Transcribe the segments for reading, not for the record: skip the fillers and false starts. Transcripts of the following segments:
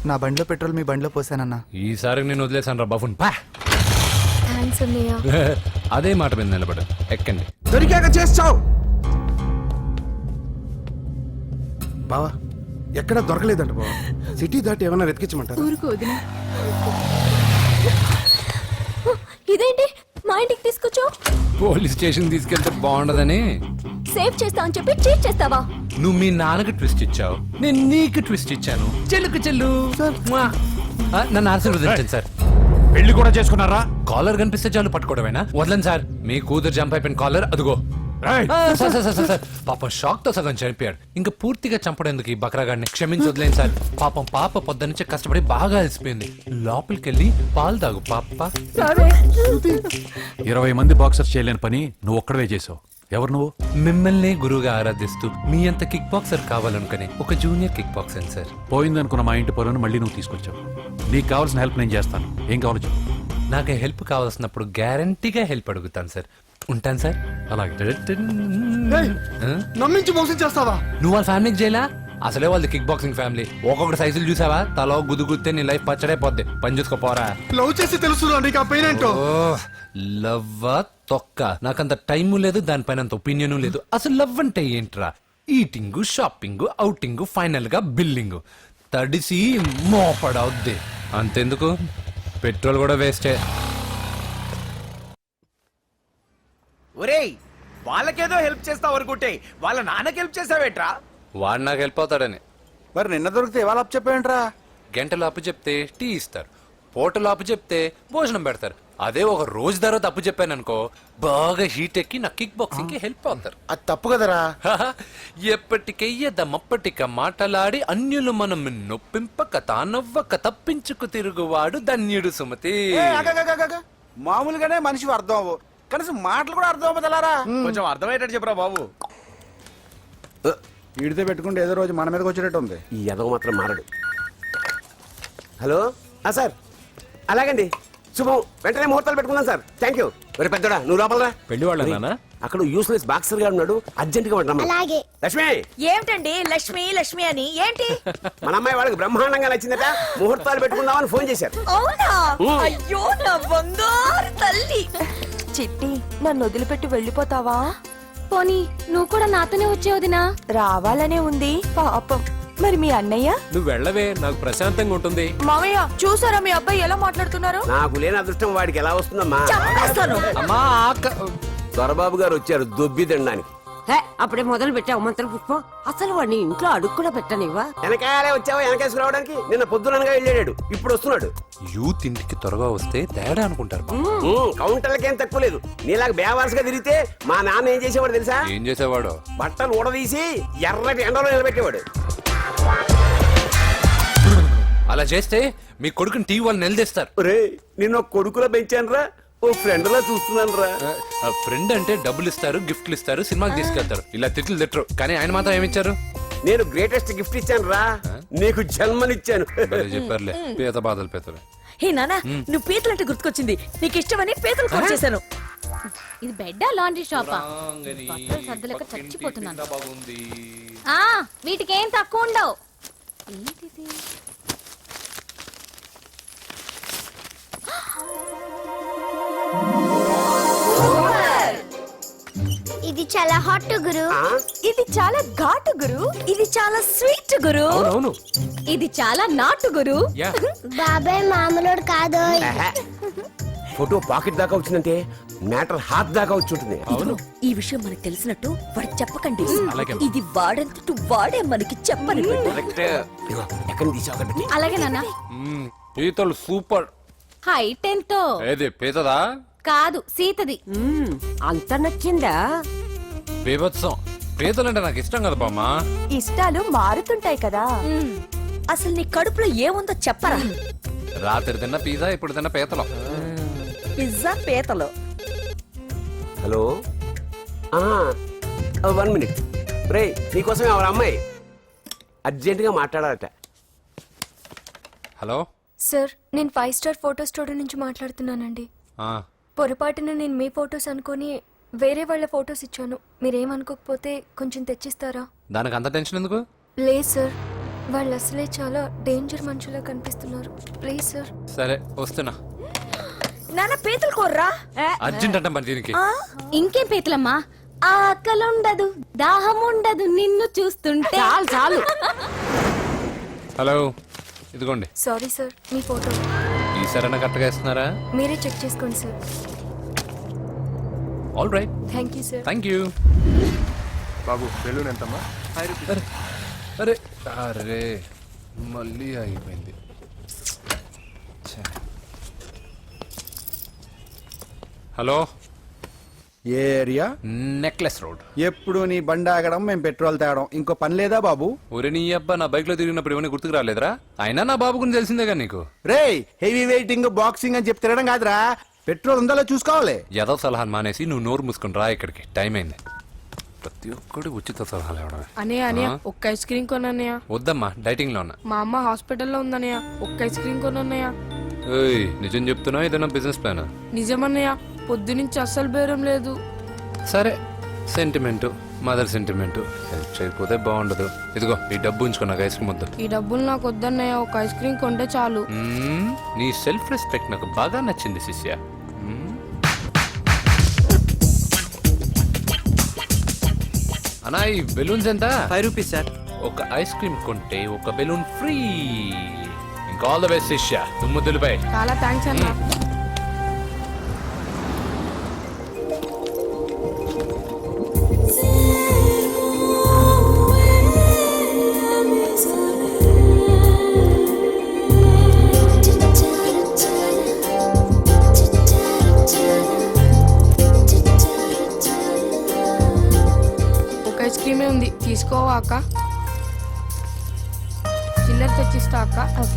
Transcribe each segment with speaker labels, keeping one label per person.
Speaker 1: నా బండిలో పెట్రోల్ మీ బండిలో పోసానన్నా.
Speaker 2: ఈసారి నేను వదిలేసాను రా బఫున్ పా.
Speaker 3: థ్యాంక్స్ అన్నయ్య.
Speaker 2: అదే మాట మీద నిలబడు. ఎక్కండి.
Speaker 4: దొరికాక చేస్తావు బావా. ఎక్కడ దొరకలేదంట బావా. సిటీ దాటి ఏమైనా వెతికించమంటారా?
Speaker 3: ఊరుకు వదిన. ఇదేంటి మా ఇంటికి తీసుకొచ్చావు?
Speaker 2: పోలీస్ స్టేషన్ తీసుకెళ్తే బాగుండదని.
Speaker 3: సేవ్ చేస్తా అని చెప్పి చీట్ చేస్తావా?
Speaker 2: నువ్వు మీ నాన్నకి ట్విస్ట్ ఇచ్చావు, నేను నీకు ట్విస్ట్ ఇచ్చాను. చెల్లుకు చెల్లు నన్ను ఆశీర్వదించండి సార్.
Speaker 5: పెళ్లి కూడా చేసుకున్నారా?
Speaker 2: కాలర్ కనిపిస్తే చాలు పట్టుకోవడమేనా? వదలండి సార్. మీ కూతురు జంప్ అయిపోయిన కాలర్ అదుగో.
Speaker 5: రేయ్!
Speaker 2: సార్ పాపం షాక్ తో సగం చనిపోయాడు. ఇంకా పూర్తిగా చంపడేందుకు ఈ బక్రాగాడిని క్షమించి వదిలేను సార్. పాపం పాప పొద్దున్నుంచి కష్టపడి బాగా అలసిపోయింది. లోపలికెళ్ళి పాలు తాగు పాప.
Speaker 5: 20 మంది బాక్సర్స్ చేయలేని పని నువ్వు ఒక్కడవే చేసావు. ఎవరు నువ్వు?
Speaker 2: మిమ్మల్ని గురువుగా ఆరాధిస్తూ మీ అంత కిక్ బాక్సర్ కావాలనుకునే ఒక జూనియర్ కిక్ బాక్సర్ సార్.
Speaker 5: పోయిందనుకున్న మా ఇంటి పొలను మళ్ళీ నువ్వు తీసుకొచ్చావు. నీకు కావాల్సిన హెల్ప్ నేను చేస్తాను. ఏం కావాలో చెప్పు.
Speaker 2: నాకు హెల్ప్ కావాల్సినప్పుడు గ్యారంటీగా హెల్ప్ అడుగుతాను సార్. ఉంటాను సార్.
Speaker 5: అలాగే.
Speaker 4: నమ్మించి మోసం చేస్తావా?
Speaker 2: నువ్వు వాళ్ళ ఫ్యామిలీకి చేయలా? అసలే వాళ్ళది కిక్ బాక్సింగ్ ఫ్యామిలీ. ఒక్కొక్కటి సైజులు చూసావా? తల గుద్దుగుద్దే నీ లైఫ్ పచ్చడైపోద్ది. పని చూసుకోపోరా.
Speaker 4: లవ్ చేసి తెలుసు నీకు ఆ పెయిన్ ఏంటో.
Speaker 2: లవ్వా తొక్క. నాకంత టైము లేదు, దానిపైన అంత ఒపీనియన్ లేదు. అసలు లవ్ అంటే ఏంట్రా? ఈటింగ్, షాపింగ్, అవుటింగ్, ఫైనల్ గా బిల్లింగ్. తడిసి మోపడవుద్ది. అంతెందుకు, పెట్రోల్ కూడా వేస్టే.
Speaker 6: ఒరేయ్, వాళ్ళకేదో హెల్ప్ చేస్తావు అనుకుంటే వాళ్ళ నాన్నకి హెల్ప్ చేసావేట్రా?
Speaker 2: వాడు నాకు హెల్ప్ అవుతాడని.
Speaker 4: మరి నిన్న దొరికితే ఇవాళ అప్పు చెప్పేంట్రా?
Speaker 2: గంటలు అప్పు చెప్తే టీ ఇస్తారు, పూటలు అప్పు చెప్తే భోజనం పెడతారు. అదే ఒక రోజు తర్వాత అప్పు చెప్పాను అనుకో, బాగా హీట్ ఎక్కి నా కిక్ బాక్సింగ్ కి హెల్ప్ అవుతారు.
Speaker 4: అది తప్పు కదరా.
Speaker 2: ఎప్పటికెయ్యదమప్పటిక మాటలాడి అన్యులు మనం నొప్పింపక తానవ్వక తప్పించుకు తిరుగువాడు ధన్యుడు సుమతి.
Speaker 4: మామూలుగానే మనిషి అర్థం అవ్వు, కనీసం మాటలు కూడా అర్థం అవ్వదలారా.
Speaker 6: కొంచెం అర్థమయ్యేటట్టు చెప్పరా బాబు.
Speaker 4: వీడితో పెట్టుకుంటే ఏదో రోజు మన మీదకి వచ్చేటట్టు ఉంది.
Speaker 7: ఈ ఎదవ మాత్రం మారడు. హలో సార్, అలాగండి, శుభం. వెంటనే ముహూర్తాలు పెట్టుకుందాం సార్. Thank you. మరి పెద్దడా నువ్వు లోపలరా.
Speaker 2: పెళ్లి వాళ్ళ
Speaker 7: అక్కడ యూస్లెస్ బాక్సర్ గా ఉన్నాడు, అర్జెంట్ గా ఉంటాం. లక్ష్మి.
Speaker 8: ఏమిటండి లక్ష్మి లక్ష్మి అని? ఏంటి?
Speaker 7: మన అమ్మాయి వాళ్ళకి బ్రహ్మాండంగా నచ్చిందట, ముహూర్తాలు పెట్టుకుందామని ఫోన్ చేశారు.
Speaker 8: అవునా? అయ్యో నా బంగారు తల్లి.
Speaker 3: చిట్టి, నన్ను వదిలిపెట్టి వెళ్ళిపోతావా? పోనీ నువ్వు కూడా నాతోనే వచ్చేవదినా? రావాలనే ఉంది పాపం. మరి మీ అన్నయ్య?
Speaker 2: నువ్వు వెళ్ళవే, నాకు ప్రశాంతంగా ఉంటుంది.
Speaker 8: మామయ్య చూసారా మీ అబ్బాయి ఎలా మాట్లాడుతున్నారు?
Speaker 7: నాకు లేని అదృష్టం వాడికి ఎలా వస్తుందమ్మా?
Speaker 8: చంపేస్తాను.
Speaker 2: అమ్మా
Speaker 7: దొరబాబు గారు వచ్చారు దొబ్బి తినడానికి.
Speaker 8: అప్పుడే మొదలు పెట్టావు మంత్ర పుష్పం. అసలు వాడిని ఇంట్లో అడుగు కూడా పెట్టనివ్వా?
Speaker 7: వెనకాలే వచ్చావా? వెనకేసుకు రావడానికి నిన్న పొద్దుననగా వెళ్ళాడు, ఇప్పుడు వస్తున్నాడు.
Speaker 2: యూత్ ఇంటికి త్వరగా వస్తే తేడా అనుకుంటారు.
Speaker 7: కౌంటర్లకేం తక్కువ లేదు. నీలాగా బేవారసుగా తిరిగితే మా నాన్న ఏం చేసేవాడు తెలుసా?
Speaker 2: ఏం చేసేవాడు?
Speaker 7: బట్టలు ఊడదీసి ఎర్రటి ఎండలో నిలబెట్టేవాడు.
Speaker 2: అలా చేస్తే మీ కొడుకుని టీవీ వాళ్ళు నిలదీస్తారు.
Speaker 7: రే, నిన్న కొడుకులా పెంచాను రా, ఓ ఫ్రెండ్ లా చూస్తున్నాను రా.
Speaker 2: ఫ్రెండ్ అంటే డబ్బులు ఇస్తారు, గిఫ్ట్లు ఇస్తారు, సినిమాకి తీసుకెళ్తారు. ఇలా తిట్లు తిట్టరు. కానీ ఆయన మాత్రం ఏమిచ్చారు?
Speaker 7: నేను గ్రేటెస్ట్ గిఫ్ట్ ఇచ్చాను రా, నీకు జన్మనిచ్చాను.
Speaker 2: చెప్పారులే, పీత బాధలు పీతలు.
Speaker 8: హే నానా, నువ్వు పీతలు అంటే గుర్తుకొచ్చింది. నీకు ఇష్టమని పీతలు కాల్ చేశాను.
Speaker 3: ఇది బెడ్డా లాండ్రీ షాపా? బట్టలు సర్దలేక చచ్చిపోతున్నాను. వీటికేం తక్కువ ఉండవు. ఏంటిది?
Speaker 9: ఇది చాలా హాట్ గురు.
Speaker 8: ఇది చాలా ఘాటు గురు. ఇది చాలా స్వీట్ గురు.
Speaker 2: అవును,
Speaker 3: ఇది చాలా నాటు గురు.
Speaker 9: బాబాయ్ మామూలుడు కాదు.
Speaker 7: ఫోటో పాకెట్ దాకా వచ్చిందంటే మ్యాటర్ హాత్ దాకా వచ్చి ఉంటుంది.
Speaker 8: ఈ విషయం మనకు తెలిసినట్టు వాడికి చెప్పకండి. ఇది వాడంతటూ వాడే మనకి చెప్పని.
Speaker 7: ఎక్కడి తీసావు?
Speaker 3: అలాగే నాన్న.
Speaker 2: పీతలు సూపర్.
Speaker 3: హైట్ ఎంతో?
Speaker 2: ఏది పీతదా?
Speaker 3: కాదు, సీతది.
Speaker 8: అంత నచ్చిందా?
Speaker 2: బీభత్సం. పీతలంటే నాకు ఇష్టం కదా బామ్మా.
Speaker 8: ఇష్టాలు మారుతుంటాయి కదా. అసలు నీ కడుపులో ఏముందో చెప్పరా?
Speaker 2: రాత్రి తిన్న పిజ్జా, ఇప్పుడు తిన్న పీతలు.
Speaker 8: పిజ్జా పీతలు.
Speaker 7: Hello, 1 minute. రే, నీకోసం ఎవరు అమ్మాయి అర్జెంట్ గా మాట్లాడాలట.
Speaker 2: హలో
Speaker 3: సార్, నేను 5 స్టార్ ఫోటో స్టూడియో నుంచి మాట్లాడుతున్నానండి. పొరపాటున నేను మీ ఫొటోస్ అనుకొని వేరే వాళ్ళ ఫొటోస్ ఇచ్చాను. మీరేమనుకోకపోతే కొంచెం తెచ్చిస్తారా?
Speaker 2: దానికి అంత టెన్షన్ ఎందుకు?
Speaker 3: లేదు సార్, వాళ్ళు అసలే చాలా డేంజర్ మనుషులా కనిపిస్తున్నారు. Please sir.
Speaker 2: సరే వస్తున్నా.
Speaker 8: నాన్న పీతలు కోర్రా
Speaker 2: అర్జెంట్ అంట మరి దీనికి.
Speaker 3: ఇంకేం పీతలమ్మా, ఆకలి ఉండదు, దాహం ఉండదు నిన్ను చూస్తుంటే.
Speaker 8: చాలు చాలు.
Speaker 2: హలో, ఇదిగోండి.
Speaker 3: సారీ సార్, మీ ఫోటో
Speaker 2: ఈసారైనా కరెక్ట్గా ఇస్తున్నారా?
Speaker 3: మీరే చెక్ చేసుకోండి sir.
Speaker 2: All right,
Speaker 3: thank you sir.
Speaker 2: Thank you.
Speaker 4: బాబు బెలూన్ ఎంతమ్మా?
Speaker 2: అరే అరే మళ్ళీ అయిపోయింది. ఛే. హలో,
Speaker 4: ఏ ఏరియా?
Speaker 2: Necklace road.
Speaker 4: ఎప్పుడు నీ బండి ఆగడం మేము పెట్రోల్ తేవడం, ఇంకో పని లేదా బాబు?
Speaker 2: ఒరే నీ అబ్బా, నా బైక్ లో తిరిగినప్పుడు ఏమైనా గుర్తుకు రాలేదురా? అయినా నా బాబు గురించి తెలిసిందేగా నీకు.
Speaker 4: రేయ్, హెవీ వెయిటింగ్ బాక్సింగ్ అని చెప్పి తిరగడం కాదురా, పెట్రోల్ ఉందో చూసుకోవాలి.
Speaker 2: ఏదో సలహాలు మానేసి నువ్వు నోరు మూసుకుని రా ఇక్కడికి. టైం అయింది. ప్రతి ఒక్కడు ఉచిత సలహాలు ఇవ్వడమే.
Speaker 10: అనయ్య
Speaker 2: ఆ?
Speaker 10: ఒక్క ఐస్ క్రీమ్ కొనన్నయ్య.
Speaker 2: వద్దమ్మా, డైటింగ్ లో ఉన్నా.
Speaker 10: మా అమ్మ హాస్పిటల్లో ఉందన్నయ్య, ఒక్క ఐస్ క్రీమ్ కొనన్నయ్య.
Speaker 2: ఏయ్, నిజం చెప్తున్నావు, ఏదైనా బిజినెస్ ప్లాన్?
Speaker 10: నిజమన్నయ్య, పొద్దునుంచి అస్సలు బేరం లేదు.
Speaker 2: సరే, సెంటిమెంట్, మదర్ సెంటిమెంట్. హెల్ప్ చేయకపోతే బాగుండదు. ఇదిగో ఈ డబ్బు ఉంచుకో, నాకు ఐస్ క్రీమ్ వద్దు.
Speaker 10: ఈ డబ్బులు నాకు వద్దన్నయ్య, ఒక ఐస్ క్రీమ్ కొంటే చాలు.
Speaker 2: నీ సెల్ఫ్ రెస్పెక్ట్ నాకు బాగా నచ్చింది శిష్య. అన్నా, ఈ బెలూన్స్ ఎంత?
Speaker 1: 5 రూపీస్ సార్.
Speaker 2: ఒక ఐస్ క్రీమ్ కొంటే ఒక బెలూన్ ఫ్రీ. ఇంకా ఆల్ ద బెస్ట్ శిష్య, దుమ్ముద్దులపై.
Speaker 10: చాలా థ్యాంక్స్ అన్న. ఒక ఐస్ క్రీమే ఉంది, తీసుకోవా అక్క? చిల్లర తెచ్చిస్తా అక్క.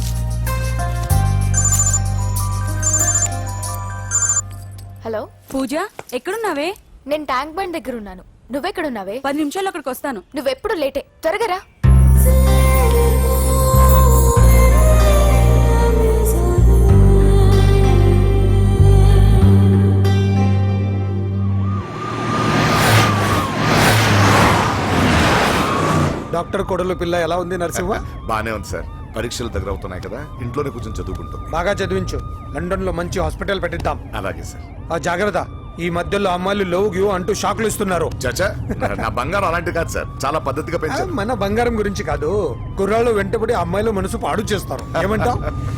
Speaker 3: హలో
Speaker 8: పూజ ఎక్కడున్నావే?
Speaker 3: నేను ట్యాంక్ బండ్ దగ్గర ఉన్నాను. నువ్వెక్కడున్నావే?
Speaker 8: 10 నిమిషాల్లో అక్కడికి వస్తాను.
Speaker 3: నువ్వెప్పుడు లేటే, త్వరగా రా.
Speaker 4: డాక్టర్ కొడలు పిల్ల ఎలా ఉంది నరసింహ?
Speaker 11: బానే ఉంది సార్. పరీక్షలు దగ్గర అవుతున్నాయి కదా, ఇంట్లోనే కూర్చొని చదువుకుంటుంది.
Speaker 4: బాగా చదివించు, లండన్ లో మంచి హాస్పిటల్ పెట్టిద్దాం.
Speaker 11: అలాగే సార్.
Speaker 4: ఆ జాగ్రత్త, ఈ మధ్యలో అమ్మాయిలు లవ్ గ్యూ అంటూ షాక్లు ఇస్తున్నారు.
Speaker 11: చచ్చా, నా బంగారం అలాంటి కాదు సార్, చాలా పద్ధతిగా పెంచారు.
Speaker 4: మన బంగారం గురించి కాదు, కుర్రాళ్ళు వెంటబడి అమ్మాయిలు మనసు పాడు చేస్తారు. ఏమంటావ్?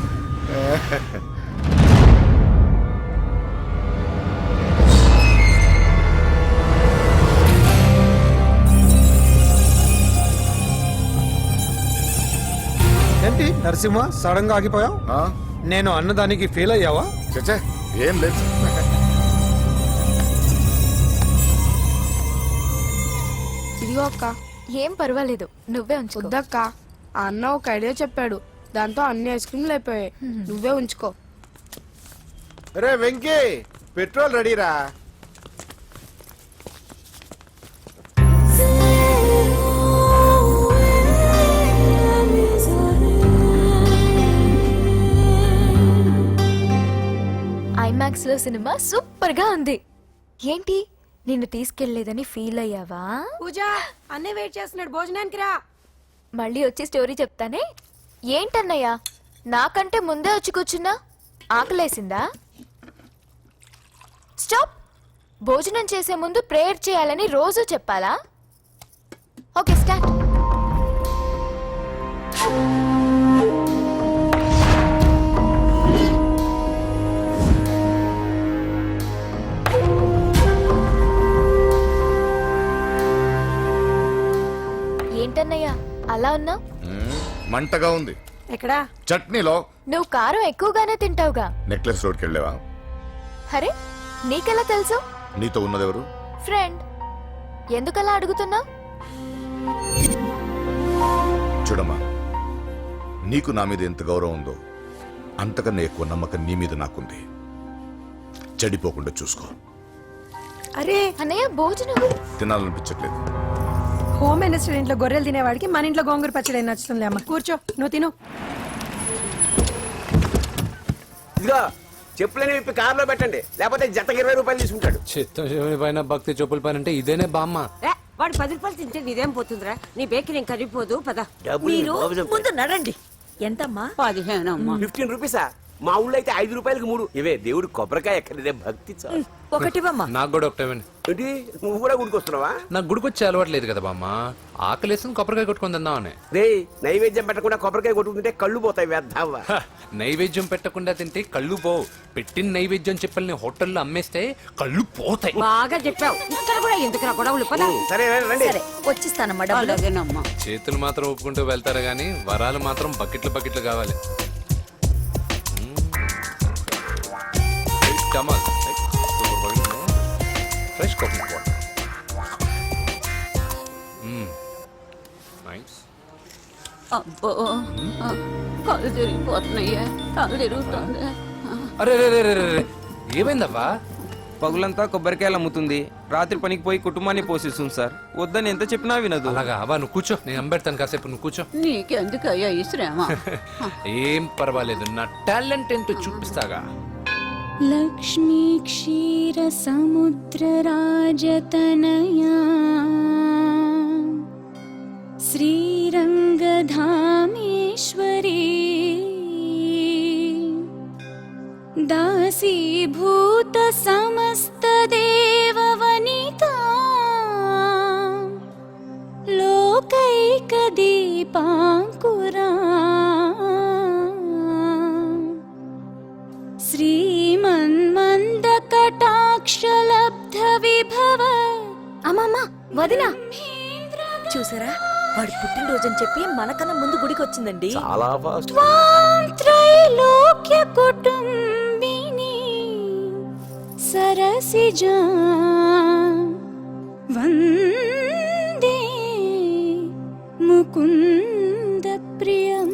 Speaker 4: ఏంటి నరసింహ, సడన్ గా ఆగిపోయావు?
Speaker 11: ఆ?
Speaker 4: నేను అన్నదానికి ఫీల్ అయ్యావా?
Speaker 11: చచ్చా, ఏం లేదు సార్.
Speaker 10: ఇదిగో అక్క.
Speaker 3: ఏం పర్వాలేదు, నువ్వే ఉంచుకో.
Speaker 10: వద్దక్క, ఆ అన్న ఒక ఐడియా చెప్పాడు, దాంతో అన్ని ఐస్ క్రీమ్లు అయిపోయాయి. నువ్వే ఉంచుకో.
Speaker 4: రే వెంకీ, పెట్రోల్ రెడీరా?
Speaker 3: ఐమాక్స్ లో సినిమా సూపర్ గా ఉంది. ఏంటి, నిన్ను తీసుకెళ్లేదని ఫీల్ అయ్యావా?
Speaker 10: పూజ, అన్నీ వెయిట్ చేస్తున్నాడు, భోజనానికి రా.
Speaker 3: మళ్ళీ వచ్చి స్టోరీ చెప్తానే. ఏంటన్నయ్యా, నాకంటే ముందే వచ్చి కూర్చున్నా? ఆకలేసిందా? స్టాప్. భోజనం చేసే ముందు ప్రేయర్ చేయాలని రోజు చెప్పాలా? Okay, start. ఏంటన్నయ్యా అలా ఉన్నావు?
Speaker 11: మంటగా ఉంది.
Speaker 10: ఎక్కడా?
Speaker 11: చట్నీలో.
Speaker 3: నువ్వు కారం ఎక్కువగానే తింటావుగా.
Speaker 11: నెక్లెస్ రోడ్కి వెళ్ళావా?
Speaker 3: అరే, నీకెలా తెలుసు?
Speaker 11: నీతో ఉన్నదెవరు?
Speaker 3: ఫ్రెండ్. ఎందుకలా అడుగుతున్నావు?
Speaker 11: చూడమ్మా, నీకు నా మీద ఎంత గౌరవం ఉందో అంతకన్నా ఎక్కువ నమ్మకం నీ మీద నాకుంది. చెడిపోకుండా చూసుకో.
Speaker 10: అరే
Speaker 3: అన్నయ్య, భోజనం
Speaker 11: తినాలనిపించట్లేదు.
Speaker 10: హోమ్ మినిస్టర్ ఇంట్లో గొర్రెలు తినేవాడికి మన ఇంట్లో గోంగూర పచ్చడి నచ్చుతుంది. అమ్మ కూర్చో, నువ్వు తిను.
Speaker 7: ఇదిగో చెప్పులని విప్పి కారులో పెట్టండి, లేకపోతే జతకి 20 రూపాయలు తీసుకుంటాడు.
Speaker 2: చిత్తం శివుని పైన భక్తి చెప్పుల పైన అంటే ఇదేనే బామ్మ.
Speaker 8: వాడు 10 రూపాయలు తింటే నీదేం పోతుందిరా నీ బేకరీ ఏం కరిగిపోదు పద
Speaker 7: డబ్బులు
Speaker 8: మీరు
Speaker 7: బాబు చెప్పాడు.
Speaker 8: ముందు నడండి ఎంతమ్మా 15 అమ్మా
Speaker 7: 15 రూపీసా మా ఊళ్ళో అయితే 5 రూపాయలకి 3 ఇవే దేవుడు కొబ్బరికాయ ఎక్కడిదే భక్తి చాలు.
Speaker 8: ఒకటివమ్మా
Speaker 2: నాకు కూడా ఒకటే ఇవ్వండి.
Speaker 7: ఏంటి నువ్వు కూడా గుడికొస్తున్నావా?
Speaker 2: నాకు గుడికొచ్చే అలవాటు లేదు కదా బామ్మ, ఆకలేసుకుని కొబ్బరికాయ కొట్టుకొని తిందామని.
Speaker 7: రే నైవేద్యం పెట్టకుండా కొబ్బరికాయ కొట్టుకుంటే కళ్ళు పోతాయి వ్యర్థావా.
Speaker 2: హ, నైవేద్యం పెట్టకుండా తింటే కళ్ళు పోవు. పెట్టిన నైవేద్యం చెప్పల్ని హోటల్లో అమ్మేస్తే కళ్ళు పోతాయి.
Speaker 8: బాగా చెప్పావు ఇక్కడ కూడా ఎందుకు గొడవలు పద
Speaker 7: సరే రండి.
Speaker 8: సరే వచ్చిస్తానమ్మా డబ్బులు
Speaker 2: చేతులు మాత్రం ఒప్పుకుంటూ వెళ్తారు గానీ వరాలు మాత్రం బకెట్లు బకెట్లు కావాలి. Fresh coconut water. నైస్.
Speaker 8: అబ్బో కళ్ళు తిరిగిపోతున్నాయ్యా కళ్ళు తిరుగుతుంది
Speaker 2: అరే రే రే రే రే, ఏమైందవ్వా?
Speaker 6: పగులంతా కొబ్బరికాయలు అమ్ముతుంది, రాత్రి పనికి పోయి కుటుంబాన్ని పోషిస్తుంది సార్. వద్దని ఎంత చెప్పినా వినదు.
Speaker 2: అలాగా అవ్వా, నువ్వు కూర్చో, నేను అంబెడతాను కాసేపు, నువ్వు కూర్చో.
Speaker 8: నీకెందుకయ్యా ఈ శ్రమ
Speaker 2: ఏం పర్వాలేదు, నా టాలెంట్ ఏంటో చూపిస్తాగా.
Speaker 9: లక్ష్మీ క్షీర సముద్ర రాజతనయా శ్రీరంగధామేశ్వరీ దాసీభూత సమస్త దేవవనితా లోకైక దీపాంకురా శ్రీమన్మంద కటాక్షలబ్ధ విభవ.
Speaker 3: అమ్మమ్మ వదినా
Speaker 8: చూసారా వాడు పుట్టినరోజని చెప్పి మనకన్నా ముందు గుడికి వచ్చిందండి.
Speaker 7: చాలా ఫాస్ట్.
Speaker 9: త్వాం త్రైలోక్య కుటుంబిని సరసిజా వందే ముకుంద ప్రియం.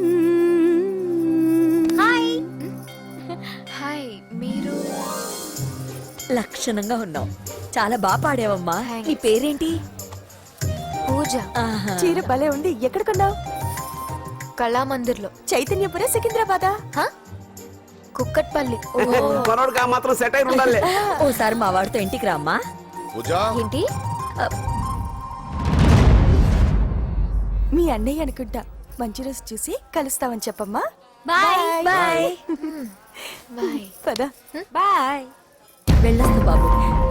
Speaker 3: హాయ్, మీరు
Speaker 8: లక్షణంగా ఉన్నావు, చాలా బాగా పాడావమ్మా. నీ పేరేంటి?
Speaker 3: పూజ.
Speaker 8: ఆహా.
Speaker 3: చీర భలే ఉంది. ఎక్కడ కొన్నావు? కళామందిర్లో. చైతన్యపురం సికింద్రాబాదా? కుక్కట్పల్లి.
Speaker 7: మనోడు కా మాత్రం సెట్ అయి ఉండాలి.
Speaker 8: ఓసారి మా వాడితో ఇంటికి రామ్మా.
Speaker 11: పూజ,
Speaker 3: ఏంటి? మీ అన్నయ్య అనుకుంటా. మంచి రోజు చూసి కలుస్తామని చెప్పమ్మా.
Speaker 8: Bye bye
Speaker 3: bye. పద.
Speaker 8: బాయ్. వెళ్ళొస్తా బాబు.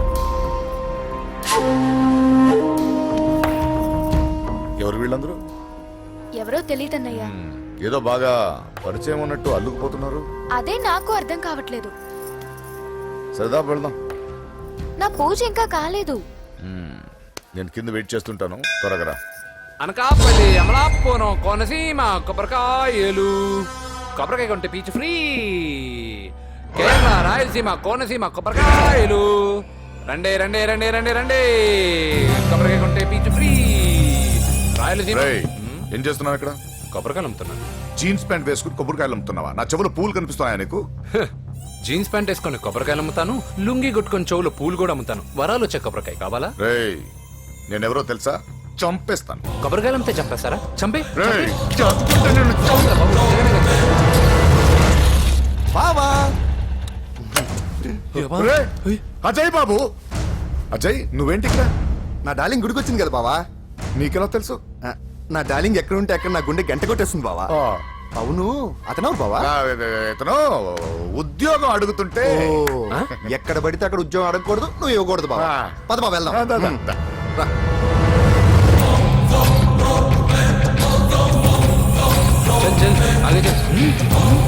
Speaker 11: ఎవరు వీళ్ళందరూ?
Speaker 3: ఎవరో తెలియదన్నయ్య.
Speaker 11: ఏదో బాగా పరిచయం ఉన్నట్టు అల్లుకుపోతున్నారు.
Speaker 3: అదే నాకు అర్థం కావట్లేదు.
Speaker 11: సరదా వెళ్దాం.
Speaker 3: నా పూజ ఇంకా కాలేదు.
Speaker 11: నేను కింద వెయిట్ చేస్తుంటాను, త్వరగా రా.
Speaker 2: అనకాపల్లి, అమలాపురం, కోనసీమ కొబ్బరికాయలు. కొబ్బరికాయ కొంటే పీచు ఫ్రీ. కేరళ, రాయలసీమ, కోనసీమ కొబ్బరికాయలు. రండే రండే రండే రండే రండే, కొబ్బరికాయ కొంటే పీచు ఫ్రీ. రాయలసీమ.
Speaker 11: రేయ్, ఏం చేస్తున్నావు ఇక్కడ?
Speaker 2: కొబ్బరికాయలు అమ్ముతున్నాను.
Speaker 11: జీన్స్ ప్యాంట్ వేసుకుని కొబ్బరికాయలు అమ్ముతున్నావా? నా చెవులు పూలు కనిపిస్తున్నాయా నీకు?
Speaker 2: జీన్స్ ప్యాంట్ వేసుకొని కొబ్బరికాయలు అమ్ముతాను, లుంగి కొట్టుకొని చెవులు పూలు కూడా అమ్ముతాను. వరాలు వచ్చే కొబ్బరికాయ కావాలా?
Speaker 11: రేయ్, నేనెవరో తెలుసా? చంపేస్తాను.
Speaker 2: కొబ్బరికాయలు అమ్మితే చంపేస్తారా? చంపే.
Speaker 11: రేయ్, చంపుతా నిన్ను, చంపుతా. బావా! రేయ్, అజయ్ బాబు, అజయ్ నువ్వేంటి ఇక్కడ?
Speaker 1: నా డార్లింగ్ గుడికి వచ్చింది కదా బావా.
Speaker 11: నీకెలా తెలుసు?
Speaker 1: నా డార్లింగ్ ఎక్కడ ఉంటే అక్కడ నా గుండె గంట కొట్టేస్తుంది బావా. అవును, అతనవు బావా.
Speaker 11: ఇతను ఉద్యోగం అడుగుతుంటే
Speaker 1: ఎక్కడ పడితే అక్కడ ఉద్యోగం అడగకూడదు, నువ్వు ఇవ్వకూడదు బావా. పద బావ వెళ్దాం. రా.
Speaker 2: చల్ చల్, ఆగే చల్.